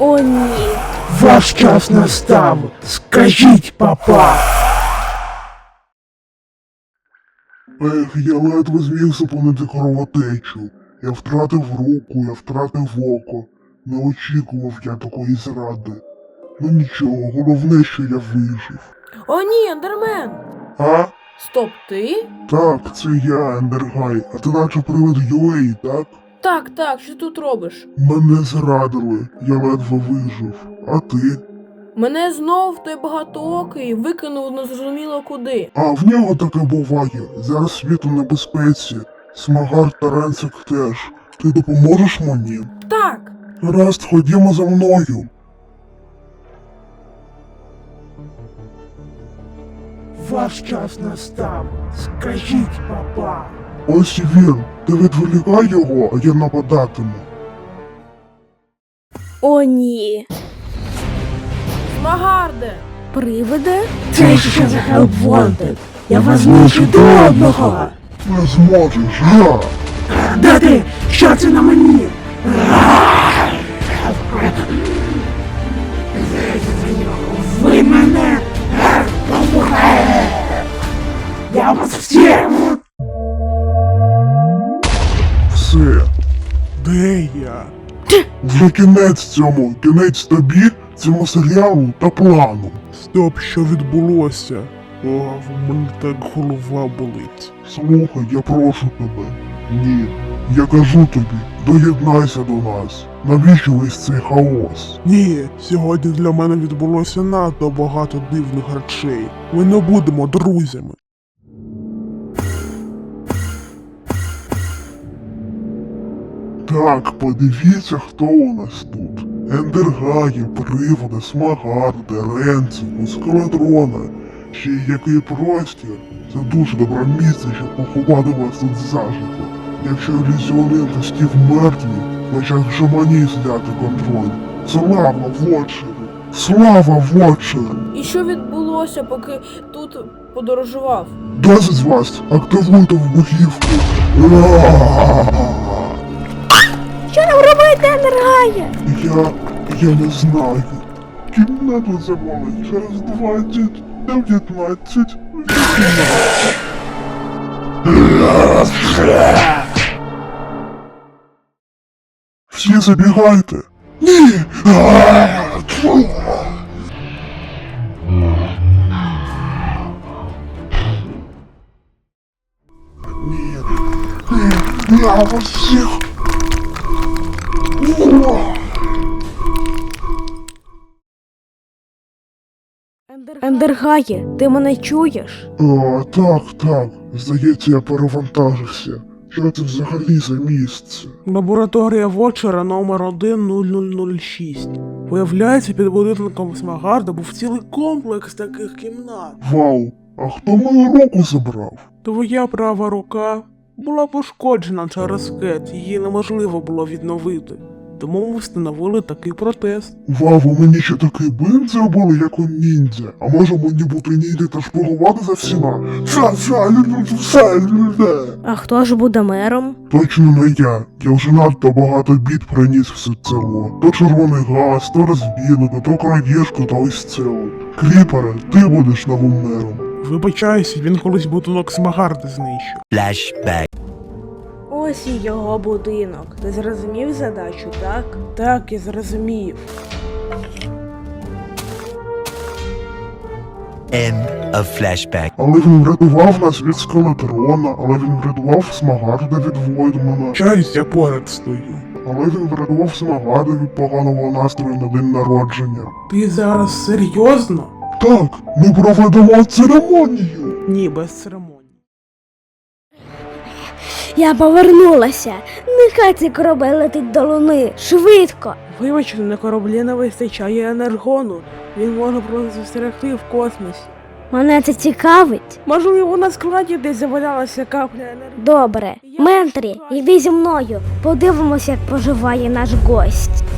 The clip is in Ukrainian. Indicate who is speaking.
Speaker 1: О, ні.
Speaker 2: Ваш час настав. Скажіть, папа.
Speaker 3: Я ледве зміг зупинити кровотечу. Я втратив руку, я втратив око. Не очікував я такої зради. Ну нічого, головне, що я вижив.
Speaker 1: О, ні, Ендермен.
Speaker 3: А?
Speaker 1: Стоп, ти?
Speaker 3: Так, це я, Ендергай. А ти наче привид Юей, так?
Speaker 1: Так, що тут робиш?
Speaker 3: Мене зрадили, я ледве вижив. А ти?
Speaker 1: Мене знов той багатоокий викинув незрозуміло куди.
Speaker 3: А в нього таке буває. Зараз світ у небезпеці. Смагар та Ренцик теж. Ти допоможеш мені?
Speaker 1: Так.
Speaker 3: Гаразд, ходімо за мною.
Speaker 2: Ваш час настав. Скажіть, папа.
Speaker 3: Ось і він. Ти відволікай його, а я нападатиму.
Speaker 1: О, ні. Смагарде.
Speaker 4: Привиде?
Speaker 2: Це що за Help Wanted? Я вас знищу до одного.
Speaker 3: Не зможеш, га?
Speaker 2: Де ти? Що це на мені? Ви мене послухайте! Я вас всіх!
Speaker 3: Все. Де я? Вже кінець цьому, кінець тобі, цьому серіалу та плану. Стоп, що відбулося? О, в мене так голова болить. Слухай, я прошу тебе. Ні. Я кажу тобі, доєднайся до нас. Навіщо весь цей хаос?
Speaker 5: Ні, сьогодні для мене відбулося надто багато дивних речей. Ми не будемо друзями.
Speaker 3: Так, подивіться, хто у нас тут. Ендергаї, Приводи, Смагарди, Ренцику, Скелетрона. Ще й який простір. Це дуже добре місце, щоб поховати вас тут заживо. Якщо ілюзіоністи Стів мертві, значить вже мені зняти контроль. Слава Вотчеру! Слава Вотчеру!
Speaker 1: І що відбулося, поки тут подорожував?
Speaker 3: Досить з вас! Активуйте вибухівку!
Speaker 4: Що нам робити, Ендергає?
Speaker 3: Я не знаю. Кімнату замовить через 20, 19, 18. Всі забігайте. Ні! Ні. Я вас всіх.
Speaker 4: Ендергає, ти мене чуєш?
Speaker 3: Так. Здається, я перевантажився. Що це взагалі за місце?
Speaker 5: Лабораторія Вотчера номер 10006. Виявляється, під будинком Смагарда був цілий комплекс таких кімнат.
Speaker 3: Вау, а хто мою руку забрав?
Speaker 5: Твоя права рука була пошкоджена через скет, її неможливо було відновити. Тому ми встановили такий протез.
Speaker 3: Вау, ви мені ще такий бинт зробили, як у ніндзя. А може мені бути ніндзя та шпигувати за всіма?
Speaker 4: А хто ж буде мером?
Speaker 3: Точно не я. Я вже надто багато бід приніс в це село. То червоний газ, то розбійника, то крадіжку, та ось це от. Кріпере, ти будеш новим мером.
Speaker 5: Вибачайся, він колись будинок Смагарда знищив.
Speaker 6: Flashback.
Speaker 1: Ось і його будинок. Ти зрозумів задачу, так?
Speaker 5: Так, я зрозумів.
Speaker 6: End of flashback.
Speaker 3: Але він врятував нас від скелетрона, але він врятував Смагарда від Войдмана.
Speaker 5: Чаюсь, я поряд стою.
Speaker 3: Але він врятував Смагарда від поганого настрою на день народження.
Speaker 5: Ти зараз серйозно?
Speaker 3: Так, ми проведемо церемонію.
Speaker 5: Ні, без церемонії.
Speaker 4: Я повернулася. Нехай цей корабель летить до луни. Швидко.
Speaker 1: Вибачте, на кораблі не вистачає енергону. Він може просто застерегти в космосі.
Speaker 4: Мене це цікавить.
Speaker 1: Можливо, на складі десь завалялася капля енергії.
Speaker 4: Добре. Менторі, йди зі мною. Подивимося, як поживає наш гость.